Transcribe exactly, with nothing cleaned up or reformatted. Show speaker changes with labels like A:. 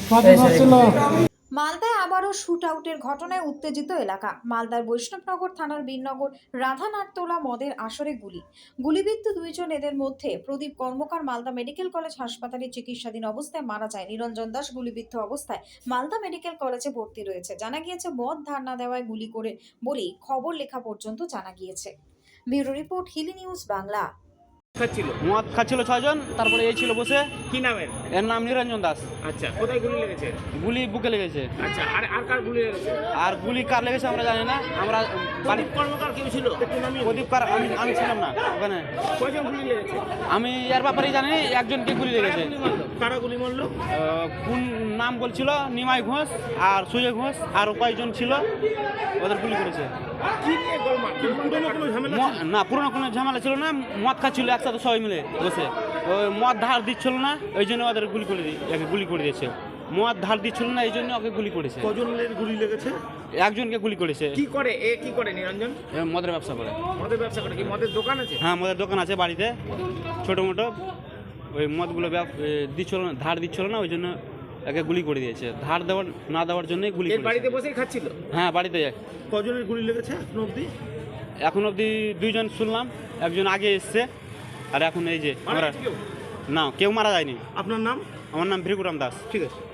A: মালদায় আবারও শুট আউটের ঘটনায় উত্তেজিত এলাকা। মালদার বৈষ্ণবনগর থানার বীরনগর রাধানাথতলা মদের আসরে গুলি গুলিবিদ্ধ দুইজন। এদের মধ্যে প্রদীপ কর্মকার মালদা মেডিকেল কলেজ হাসপাতালে চিকিৎসাধীন অবস্থায় মারা যায়। নিরঞ্জন দাস গুলিবিদ্ধ অবস্থায় মালদা মেডিকেল কলেজে ভর্তি রয়েছে। জানা গিয়েছে মদ ধার না দেওয়ায় গুলি করে বলেই খবর লেখা পর্যন্ত জানা গিয়েছে। Bureau report, Hili news Bangla.
B: খাচ্ছিল
C: মদ খাচ্ছিল ছয়জন, তারপরে এই ছিল বসে।
B: কি নামের?
C: এর নাম নিরঞ্জন দাস।
B: আচ্ছা, কোথায় গুলি লেগেছে?
C: গুলি বুকে লেগেছে।
B: আচ্ছা, আর আর কার গুলি লেগেছে?
C: আর গুলি কার লেগেছে আমরা জানি না। আমরা বাড়ি
B: প্রদীপ কর্মকার কেউ ছিল? একটু নামিয়ে
C: প্রদীপ কার আমি আমি ছিলাম না ওখানে।
B: কয়জন গুলি লেগেছে?
C: আমি এর ব্যাপারেই জানি একজনকে গুলি লেগেছে।
B: কারা গুলি মারলো? কারা গুলি মারলো?
C: আহ, কোন নাম বলছিল? নিমাই ঘোষ আর সুজয় ঘোষ আর কয়েকজন ছিল, ওদের গুলি করেছে।
B: কি নিয়ে গোলমাল? পুরনো কোনো ঝামেলা
C: ম-
B: ছিল?
C: না, পুরোনো কোনো ঝামেলা ছিল না। মদ খাচ্ছিল একসাথে সবাই মিলে বসে। ওই মদ ধার দিচ্ছিল না, ওই জন্য ওদের গুলি করে দিয়ে একে গুলি করে দিয়েছে। মদ ধার দিচ্ছিল না, এই জন্য ওকে গুলি করেছে।
B: কজনের গুলি লেগেছে?
C: একজনকে গুলি করেছে।
B: কি করে এ? কি করে নিরঞ্জন?
C: এ মদের ব্যবসা করে।
B: মদের ব্যবসা করে? কি মদের দোকান আছে?
C: হ্যাঁ, মদের দোকান আছে বাড়িতে ছোটো মোটো। ওই মদগুলো ব্যব- এ, দিচ্ছিল না, ধার দিচ্ছিল না, ওই জন্য একে গুলি করে দিয়েছে। ধার দেওয়ার না দেওয়ার জন্যই গুলি
B: এর
C: করেছে।
B: বাড়িতে বসেই খাচ্ছিল?
C: হ্যাঁ, বাড়িতে।
B: কজনের গুলি লেগেছে এখন অবধি?
C: এখন অবধি দুইজন শুনলাম, একজন আগে এসছে আর এখন এই যে
B: মারা
C: আমরা।
B: গেছে কেউ?
C: না, কেউ মারা যায়নি।
B: আপনার নাম?
C: আমার নাম ভৃগুরাম দাস।
B: ঠিক আছে।